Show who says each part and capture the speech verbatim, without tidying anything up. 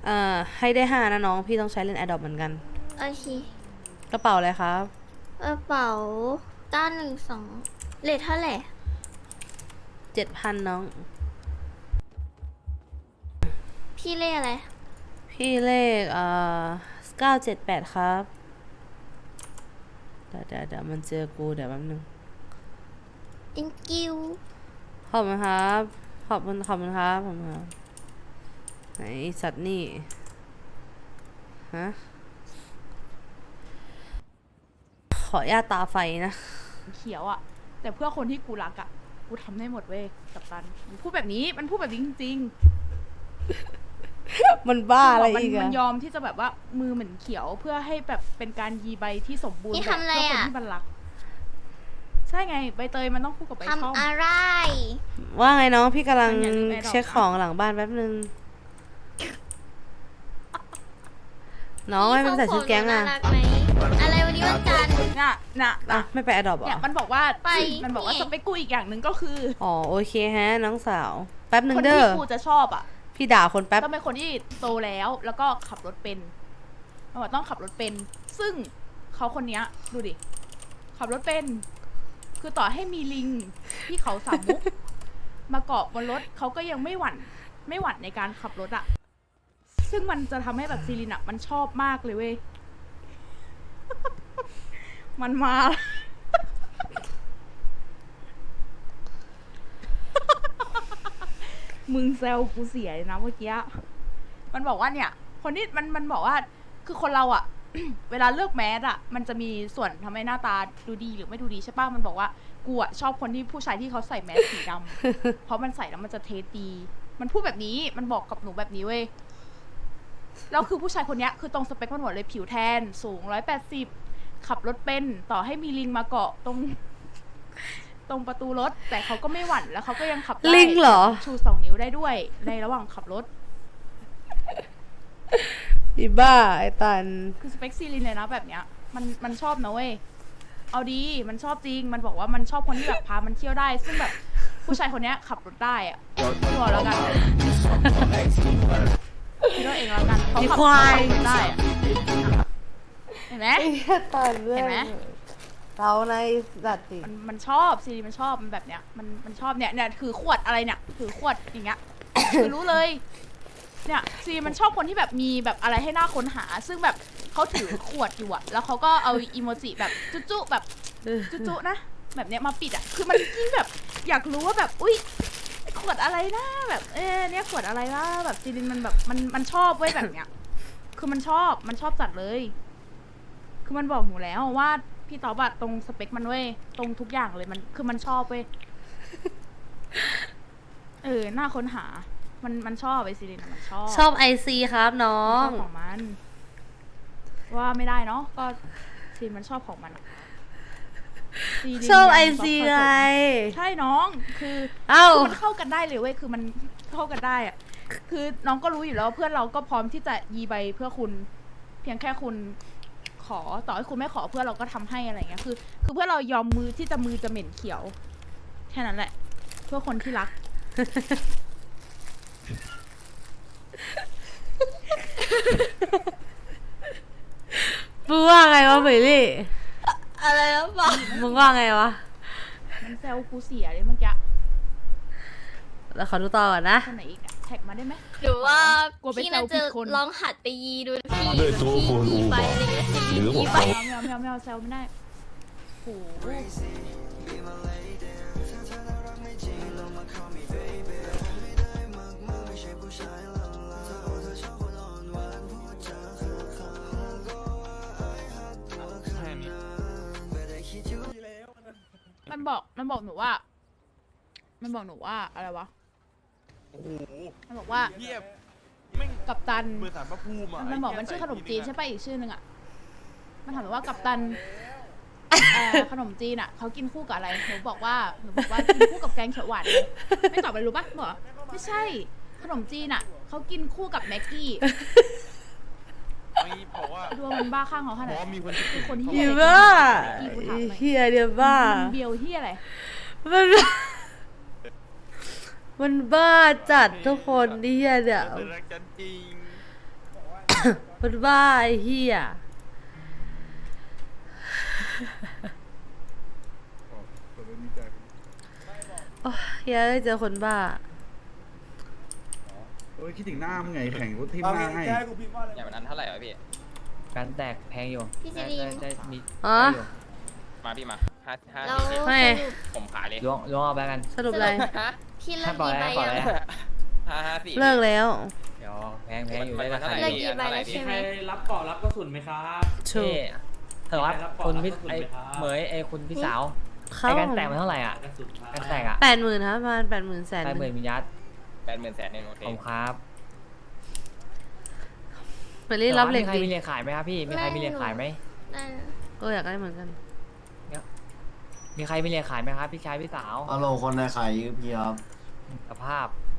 Speaker 1: อ่อให้ได้ห้านะน้องพี่ต้องใช้เล่นแอดดอปเหมือนกัน
Speaker 2: โอเค
Speaker 1: กระเป๋าอะไรครับ
Speaker 2: กระเป๋าเก้าหนึ่งสองเลทเท่าไหร่
Speaker 1: เจ็ดพันน้อง
Speaker 2: พี่เลขอะไร
Speaker 1: พี่เลขเอ่อเก้าเจ็ดแปดครับเดี๋ยวเดี๋ยวเดี๋ยวมันเจอกูเดี๋ยวแป๊บนึง
Speaker 2: thank you
Speaker 1: ขอบคุณครับขอบคุณขอบคุณครับขอบคุณครับไหนสัตว์นี่ฮะขอญาตตาไฟนะ
Speaker 3: เขียวอะแต่เพื่อคนที่กูรักอะกูทำได้หมดเว้ยกัปตันมันพูดแบบนี้มันพูดแบบนี้จริง
Speaker 1: ๆมันบ้าอะไรอีกอะ
Speaker 3: มันยอมที่จะแบบว่ามือเหมือนเขียวเพื่อให้แบบเป็นการยีใบที่สมบูรณ์แบบเพื่อคนที่มันรักใช่ไงใบเตยมันต้องคู่กับใบช่อง
Speaker 2: ทำอะไร
Speaker 1: ว่าไงน้องพี่กำลังเช็คของหลังบ้านแป๊บนึงน้องไม่เป็นใส่ชุดแก๊งอะ
Speaker 2: อะไรวันนี้วันจันทร์
Speaker 3: น่ะน่ะ
Speaker 1: อ่ะไม่ไปอดอบหรอ
Speaker 3: เนี่ยมันบอกว่าไปมันบอกว่าสเปคกูอีกอย่างหนึ่งก็คือ
Speaker 1: อ๋อโอเคฮะน้องสาวแป๊บนึง
Speaker 3: เด้อคนที่กูจะชอบอ่ะ
Speaker 1: พี่ด่าคนแป๊บ
Speaker 3: ต้องเป็นคนที่โตแล้วแล้วก็ขับรถเป็นมันบอกต้องขับรถเป็นซึ่งเขาคนนี้ดูดิขับรถเป็นคือต่อให้มีลิงที่เขาสามมุกมาเกาะบนรถเขาก็ยังไม่หวั่นไม่หวั่นในการขับรถอ่ะซึ่งมันจะทำให้แบบซีรินอะมันชอบมากเลยเว้ยมันมา มึงแซวกูเสียเลยนะเมื่อกี้มันบอกว่าเนี่ยคนที่มันมันบอกว่าคือคนเราอะ เวลาเลือกแมสอะมันจะมีส่วนทำให้หน้าตาดูดีหรือไม่ดูดีใช่ป่ะมันบอกว่ากูอะชอบคนที่ผู้ชายที่เขาใส่แมสสีดำ เพราะมันใส่แล้วมันจะเทสดีมันพูดแบบนี้มันบอกกับหนูแบบนี้เว้ยแล้วคือผู้ชายคนนี้คือตรงสเปคมันหมดเลยผิวแทนสูงร้อยแปดสิบขับรถเป็นต่อให้มีลิงมาเกาะตรงตรงประตูรถแต่เขาก็ไม่หวั่นแล้วเขาก็ยังขับได้
Speaker 1: ลิงเหรอ
Speaker 3: ชูสองนิ้วได้ด้วยในระหว่างขับรถ
Speaker 1: อีบ้าไอตัน
Speaker 3: คือสเปคซีลินเลยนะแบบเนี้ยมันมันชอบนะเว้ยเอาดีมันชอบจริงมันบอกว่ามันชอบคนที่แบบพามันเที่ยวได้ซึ่งแบบผู้ชายคนนี้ขับรถได้อะตัวแล้วกันคิดว่าเองแล้วกันเขาขับรถได้เห็นไหมเห็นไหม
Speaker 1: เราในสัตว์
Speaker 3: มันมันชอบซีรีมันชอบมันแบบเนี้ยมันมันชอบเนี่ยเนี่ยถือขวดอะไรเนี่ยถือขวดอย่างเงี้ยคือรู้เลยเนี่ยซีมันชอบคนที่แบบมีแบบอะไรให้น่าค้นหาซึ่งแบบเขาถือขวดอยู่อะแล้วเขาก็เอาอีโมจิแบบจุ๊ๆแบบจุ๊ๆนะแบบเนี้ยมาปิดอะคือมันยิ่งแบบอยากรู้ว่าแบบอุ้ยขวดอะไรนะแบบเอ๊ะเนี่ยขวดอะไรนะแบบซีรินมันแบบมันมันชอบเว้ยแบบเนี้ยคือมันชอบมันชอบจัดเลยคือมันบอกหนูแล้วว่าพี่ต๋อบัตตรงสเปคมันเว้ยตรงทุกอย่างเลยมันคือมันชอบเว้ยเออน่าค้นหามันมันชอบไอซีรินมันชอบ
Speaker 1: ชอบไอซีครับน้อง
Speaker 3: ชอบของมันว่าไม่ได้เนาะก็ซีรินมันชอบของมัน
Speaker 1: ชอบไอซีไง
Speaker 3: ใช่น้องคือ
Speaker 1: เอ้า
Speaker 3: มันเข้ากันได้เลยเว้ยคือมันเข้ากันได้อะคือน้องก็รู้อยู่แล้วเพื่อนเราก็พร้อมที่จะยีใบเพื่อคุณเพียงแค่คุณขอต่อให้คุณไม่ขอเพื่อนเราก็ทำให้อะไรเงี้ยคือคือเพื่อนเรายอมมือที่จะมือจะเหม็นเขียวแค่นั้นแหละเพื่อคนที่รัก
Speaker 1: มึงว่าไงวะเบลลี่
Speaker 2: อะไรแล้วปะ
Speaker 1: มึงว่าไงวะ
Speaker 3: มันแซวกูเสียเลยเมื่อกี้
Speaker 1: แล้วขอดูต่อก่อนนะ
Speaker 3: คนไหนอีกแท็กมาได้ไหม
Speaker 2: หรือว่าพี่น่าจะลองหัดไปยีดูพี่พี่ยีไปอะไรเงี้ยยีไป
Speaker 3: ไม่เอาไม่เอาไม่เอาแซวไม่ได้โอ้มันบอกมันบอกหนูว่ามันบอกหนูว่าอะไรวะ
Speaker 4: โอ้โห
Speaker 3: มันบอกว่า
Speaker 4: เยียบ
Speaker 3: กัปตัน
Speaker 4: เบอร์สารพระภูมิอ่ะ
Speaker 3: มันบอกมันชื่อขนมจีนใช่ป่ะอีกชื่อหนึ่งอ่ะมันถามว่ากัปตันขนมจีนอ่ะเขากินคู่กับอะไรหนูบอกว่าหนูบอกว่ากินคู่กับแกงเขียวหวานไม่ตอบอะไรรู้ป่ะบอกไม่ใช่ขนมจีนอ่ะเขากินคู่กับแม็กกี้
Speaker 4: ไม่บอกว่า
Speaker 3: ดูมันบ้าข้างเขาขนาด
Speaker 4: มีคน
Speaker 3: คนที่
Speaker 1: เฮียบ้าเฮียเดียบ้า
Speaker 3: เบียวเฮียอะไร
Speaker 1: มันมันบ้าจัดทุกคนนี่เฮียเดี๋ยว
Speaker 4: รักกันจริง
Speaker 1: คนบ้าไอ้เหี้ยโอ้ยเหี้ยเจอคนบ้า
Speaker 5: โอ้ยคิดถึงหน้ามึงไงแข่งกูทิมหน้าให้
Speaker 6: อย่างวันนั้นเท่าไหร่วะพี่
Speaker 7: การแตกแพงอยู่
Speaker 2: พี่ซี
Speaker 7: ได้
Speaker 2: รี
Speaker 7: ได้
Speaker 2: น
Speaker 7: ได้มี
Speaker 1: อ๋อ
Speaker 7: ได้อยู่
Speaker 6: มาพี่มาห้าห้า
Speaker 2: เรา
Speaker 6: สี่
Speaker 2: ส
Speaker 1: ไม่
Speaker 2: รุป
Speaker 6: ผมขายเลย
Speaker 7: ล้วงล้วงเอาไปกัน
Speaker 1: สรุปอะไร
Speaker 2: พี่เลิ
Speaker 7: ถ้าก ปล่อย
Speaker 2: กี่ใบ
Speaker 7: ให้ปล่อย
Speaker 2: ยัง
Speaker 7: ให้
Speaker 6: ห้าห้าสี่
Speaker 1: เลิกแล้ว
Speaker 7: เดี๋ยวแพงแพงอยู่ได้ราคา
Speaker 2: เลิก
Speaker 7: ดี
Speaker 2: กี่ใบแล้วใช่ไหม
Speaker 8: รับเกาะรับกระสุนไหมครับ
Speaker 1: ถู
Speaker 7: นี่
Speaker 1: ก
Speaker 7: เถอะครับ
Speaker 8: รับก่อน
Speaker 7: คุณพี่
Speaker 8: รับกระสุน
Speaker 7: ไอ้
Speaker 8: ไหมครับ
Speaker 7: เหมยไอ้คุณพี่สาว
Speaker 1: เขา
Speaker 7: ไอ้การแตกมันเท่าไหร่อ่ะ
Speaker 8: กระสุนครับ
Speaker 7: การแตกอ่ะ
Speaker 1: แปดหมื่นครับประมาณแปดหมื่นแสน
Speaker 7: แปดหมื่นมิลยัด
Speaker 6: แปดหมื่นแสนหนึ่งโอเค
Speaker 7: ผมครับ
Speaker 1: ไปรีบรับเหล็ก
Speaker 7: มีใคร
Speaker 1: ดิ
Speaker 7: มีเหล็กขายไหมครับพี่มีใครมีเหล็กขายไหม
Speaker 2: ได้นะ
Speaker 1: ก็อยากได้เหมือนกัน
Speaker 7: มีใครมีเหล็กขายไหมครับพี่ชายพี่สาว
Speaker 9: ฮัลโหลคนในขายยืมพี่ครับ
Speaker 7: สภาพ